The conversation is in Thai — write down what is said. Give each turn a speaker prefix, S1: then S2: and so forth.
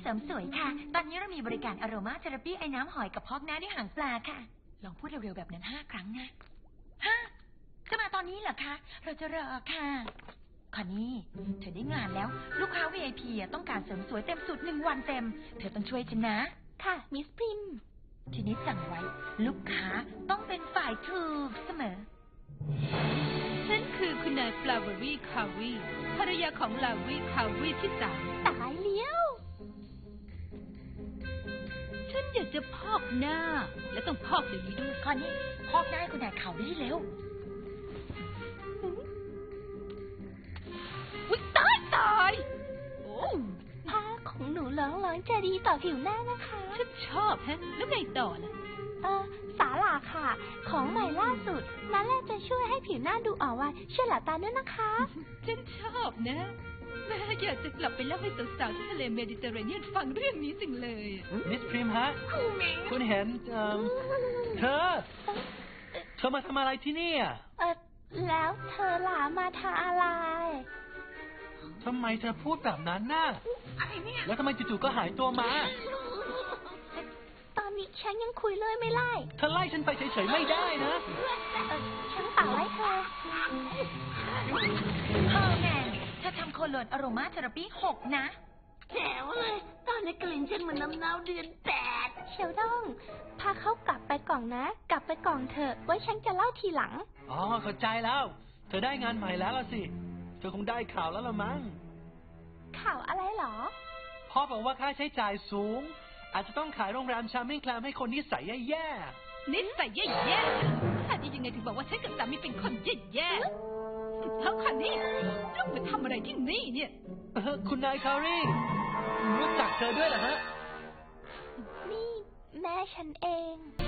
S1: ริมสวยค่ะตอนนี้เรามีบริการอโรมาเทอราปีไอ้น้ำหอยกับพอกหน้าด้วยหางปลาค่ะลองพูดเร็วๆแบบนั้น5 ครั้งนะจะมาตอนนี้เหรอคะเราจะรอค่ะคอนนี่เธอได้งานแล้วลูกค้า VIP ต้องการเสริมสวยเต็มสูตร1 วันเต็มเธอต้องช่วยฉันนะค่ะมิสพริมทีนี้สั่งไว้ลูกค้าต้องเป็นฝ่ายถูกเสมอ
S2: ฉันคือคุณนายฟลาวรี่คาวีภรรยาของลาวีคาวีที่3
S1: ตายเลี้ยว
S2: ฉันอยากจะพอกหน้าและต้องพอกเดี๋ยวนี้ด้วย
S1: คอนนี่พอกหน้าให้คุณนายเขาได้เร็ว
S2: อุ๊ยตายโอ้
S1: ผ้าของหนูเหลืองๆจะดีต่อผิวหน้านะคะ
S2: ฉันชอบฮะแล้วไงต่อล่ะ
S1: สาหร่าค่ะของใหม่ล่าสุดนั่นแหละจะช่วยให้ผิวหน้าดูอ่อนวัยช่วยหลับตาด้วยนะคะ
S2: ฉันชอบนะแม่อยากจะกลับไปเล่าให้สาวๆที่ทะเลเมดิเตอร์เรเนียนฟังเรื่องนี้จริงเลย
S3: มิสพริมฮะคุณเห็นเธอมาทำอะไรที่นี่
S1: แล้วเธอหลามาทำอะไร
S3: ทำไมเธอพูดแบบนั้นน่ะแล้วทำไมจู่ๆก็หายตัวมา
S1: ตอนนี้ฉันยังคุยเลยไม่ไล่
S3: เธอไล่ฉันไปเฉยๆไม่ได้นะ
S1: ฉันเปล่าไล่เธอเฮอร์แมนเธอทำโคโลนอโรมาเทอราปี6นะ
S4: แจ๋วเลยตอนนี้กลิ่นฉันเหมือนน้ำเน่าเดือน8
S1: เชลดองพาเขากลับไปก่อนนะกลับไปก่อนเถอะไว้ฉันจะเล่าทีหลัง
S3: เข้าใจแล้วเธอได้งานใหม่แล้วล่ะสิเธอคงได้ข่าวแล้วละมั้ง
S1: ข่าวอะไรหรอ
S3: พ่อบอกว่าค่าใช้จ่ายสูงอาจจะต้องขายโรงแรมชามิ่งแคลมให้คนนิสัยแย่
S2: ๆนิสัยแย่ๆถ้าดียังไงถึงบอกว่าฉันกับสามีเป็นคนแย่ๆแล้วคันนี้ลูกมาทำอะไรที่นี่เนี่ย
S3: คุณนายคารีรู้จักเธอด้วยเหรอฮะ
S1: นี่แม่ฉันเอง